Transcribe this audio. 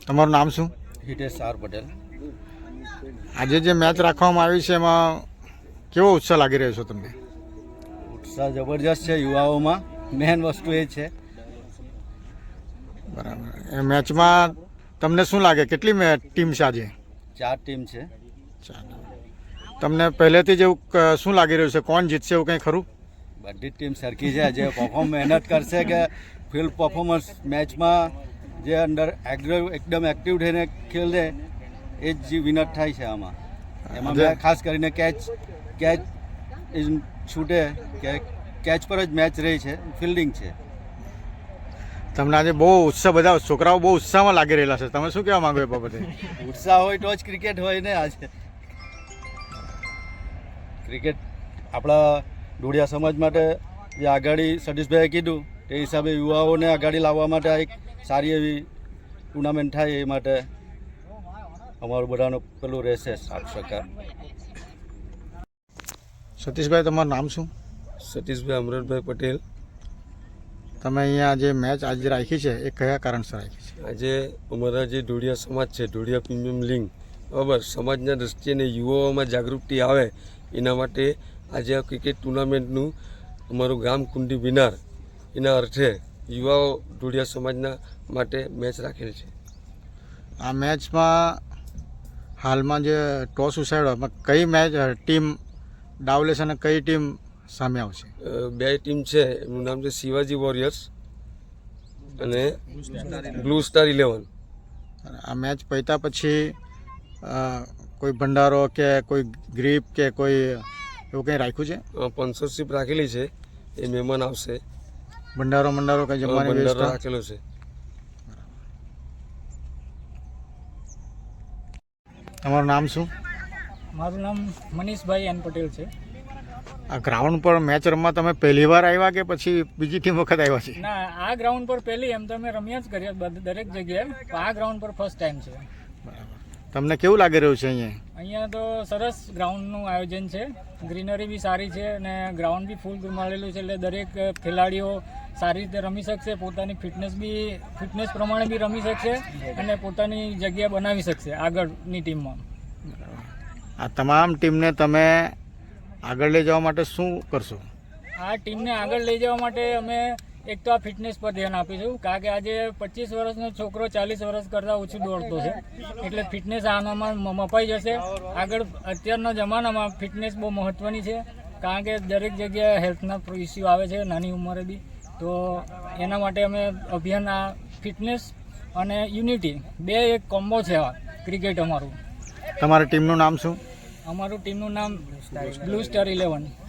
તમારું નામ શું? હિતેશ આર પટેલ. આજે જે મેચ રાખવામાં આવી છે એમાં કેવો ઉત્સાહ લાગી રહ્યો છે તમને? ઉત્સાહ જબરજસ્ત છે યુવાઓમાં. મેન વસ્તુ એ છે. બરાબર. એ મેચમાં તમને શું લાગે કેટલી ટીમ છે આજે? 4 ટીમ છે. તમને પહેલેથી જ એવું શું લાગી રહ્યું છે, કોણ જીતશે એવું કંઈ ખરું? બધી જ ટીમ સરખી છે. જે મહેનત કરશે કે ફિલ્ડ પરફોર્મન્સ મેચમાં જે અંદર એકદમ એક્ટિવ થઈને ખેલે એ જ વિનર થાય છે. આમાં એમાં ખાસ કરીને કેચ છૂટે કે કેચ પર જ મેચ રહી છે, ફિલ્ડિંગ છે. તમને આજે બહુ ઉત્સાહ, બધા છોકરાઓ બહુ ઉત્સાહમાં લાગી રહેલા છે. તમે શું કહેવા માંગો એ બાબતે? ઉત્સાહ હોય તો જ ક્રિકેટ હોય ને. આજે ક્રિકેટ આપણા ઢોળિયા સમાજ માટે જે આગાડી સતીશભાઈએ કીધું તે હિસાબે યુવાઓને આગાડી લાવવા માટે એક સારી એવી ટુર્નામેન્ટ થાય એ માટે અમારું બધાનું પેલું રહેશે સાથ સહકાર. સતીશભાઈ, તમારું નામ શું? સતીશભાઈ અમરતભાઈ પટેલ. તમે અહીંયા જે મેચ આજે રાખી છે એ કયા કારણસર રાખી છે? આજે અમારા જે ઢોળિયા સમાજ છે, ઢોળિયા પ્રીમિયમ લીગ, બરાબર, સમાજના દ્રષ્ટિએ અને યુવાઓમાં જાગૃતિ આવે એના માટે આજે આ ક્રિકેટ ટુર્નામેન્ટનું અમારું ગામ કુંડી વિનાર એના અર્થે યુવાઓ ઢોળિયા સમાજના માટે મેચ રાખેલ છે. આ મેચમાં હાલમાં જે ટોસ ઉછાળ્યો એમાં કઈ મેચ ટીમ દાવ લેશે અને કઈ ટીમ સામે આવશે? 2 ટીમ છે. એમનું નામ છે શિવાજી વોરિયર્સ અને બ્લુ સ્ટાર 11. આ મેચ પત્યા પછી કોઈ ભંડારો કે કોઈ ગ્રીપ કે કોઈ એવું કંઈ રાખ્યું છે? સ્પોન્સરશિપ રાખેલી છે. એ મહેમાન આવશે. ભંડારો કંઈ જમવાની ભંડારો વ્યવસ્થા રાખેલો છે. તમારું નામ શું? મારું નામ મનીષભાઈ એન પટેલ છે. આ ગ્રાઉન્ડ પર મેચ રમવા તમે પહેલી વાર આવ્યા કે પછી બીજી ટીમ વખત આવ્યા છે? ના, આ ગ્રાઉન્ડ પર પહેલી એમ તો અમે રમ્યા જ કરીએ દરેક જગ્યાએ, પણ આ ગ્રાઉન્ડ પર ફર્સ્ટ ટાઈમ છે. તમને કેવું લાગી રહ્યું છે અહીંયા? અહીંયા તો સરસ ગ્રાઉન્ડનું આયોજન છે. ગ્રીનરી બી સારી છે અને ગ્રાઉન્ડ બી ફૂલ મળેલું છે, એટલે દરેક ખેલાડીઓ સારી રીતે રમી શકશે, પોતાની ફિટનેસ પ્રમાણે બી રમી શકશે અને પોતાની જગ્યા બનાવી શકશે આગળની ટીમમાં. આ તમામ ટીમને તમે આગળ લઈ જવા માટે શું કરશો? આ ટીમને આગળ લઈ જવા માટે અમે એક તો આ ફિટનેસ પર ધ્યાન આપીશું, કારણ કે આજે 25 વર્ષનો છોકરો 40 વર્ષ કરતાં ઓછું દોડતો છે, એટલે ફિટનેસ આનામાં મપાઈ જશે. આગળ અત્યારના જમાનામાં ફિટનેસ બહુ મહત્ત્વની છે, કારણ કે દરેક જગ્યાએ હેલ્થના ઇસ્યુ આવે છે નાની ઉંમરે બી. તો એના માટે અમે અભિયાન આ ફિટનેસ અને યુનિટી બે એક કોમ્બો છે આ ક્રિકેટ અમારું. તમારી ટીમનું નામ શું? અમારું ટીમનું નામ બ્લુ સ્ટાર 11.